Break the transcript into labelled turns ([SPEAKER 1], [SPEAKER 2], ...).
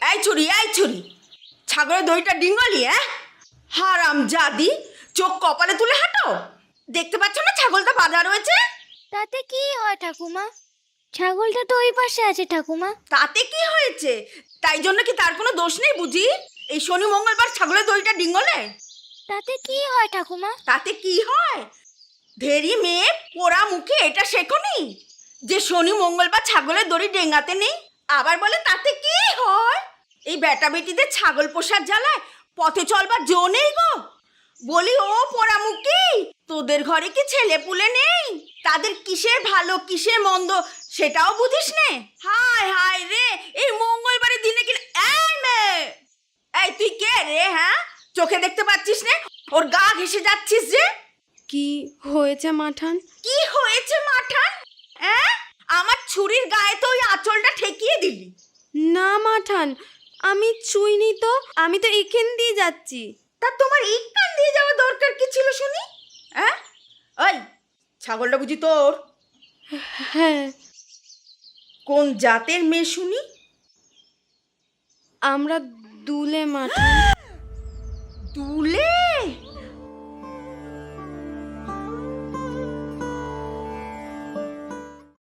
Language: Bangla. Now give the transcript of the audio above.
[SPEAKER 1] এই ছুরি ছাগলের দইটা ডিঙ্গলি হারাম জাদি, চোখ কপালে তুলে হাঁটো। দেখতে পাচ্ছ না ছাগলটা বাঁধা রয়েছে?
[SPEAKER 2] তাতে কি হয় ঠাকুমা? ছাগলটা তো ওই পাশে আছে ঠাকুমা।
[SPEAKER 1] তাতে কি হয়েছে? তাই জন্য কি তার কোনো দোষ নেই বুঝি? এই শনি মঙ্গলবার ছাগলের দইটা ডিঙ্গলে?
[SPEAKER 2] তাতে কি হয় ঠাকুমা?
[SPEAKER 1] তাতে কি হয়? ধেরি মেয়ে পোড়া মুখে এটা শেখনি যে শনি মঙ্গলবার ছাগলের দড়ি ডেঙ্গাতে নেই? আবার বলে তাতে কি হয়? এই বেটা বেটিদের ছাগল পোষার জ্বালায় পথে চলবার জো নেই গো। বলি ও পোড়া মুখি, তোদের ঘরে কি ছেলে পুলে নেই? তাদের কিসের ভালো কিসের মন্দ সেটাও বুঝিস নে? হায় হায় রে, এই মঙ্গলবারের দিনে কি! এই মেয়ে, এই তুই কে রে? হ্যাঁ, চোখে দেখতে পাচ্ছিস না ওর গা ঘেসে যাচ্ছিস যে?
[SPEAKER 3] কি হয়েছে মাঠান?
[SPEAKER 1] কি হয়েছে মাঠান? আমার ছুরির গায়ে তো ওই আঁচলটা ঠেকিয়ে দিলি।
[SPEAKER 3] না মাঠান, আমি ছুঁইনি তো, আমি তো এখান দিয়ে যাচ্ছি।
[SPEAKER 1] তা তোমার এই কান দিয়ে যাওয়া দরকার কি ছিল শুনি? ওই ছাগলটা বুঝি তোর?
[SPEAKER 3] হ্যাঁ।
[SPEAKER 1] কোন জাতের মেয়ে শুনি?
[SPEAKER 3] আমরা দুলে মাঠান।
[SPEAKER 1] দুলে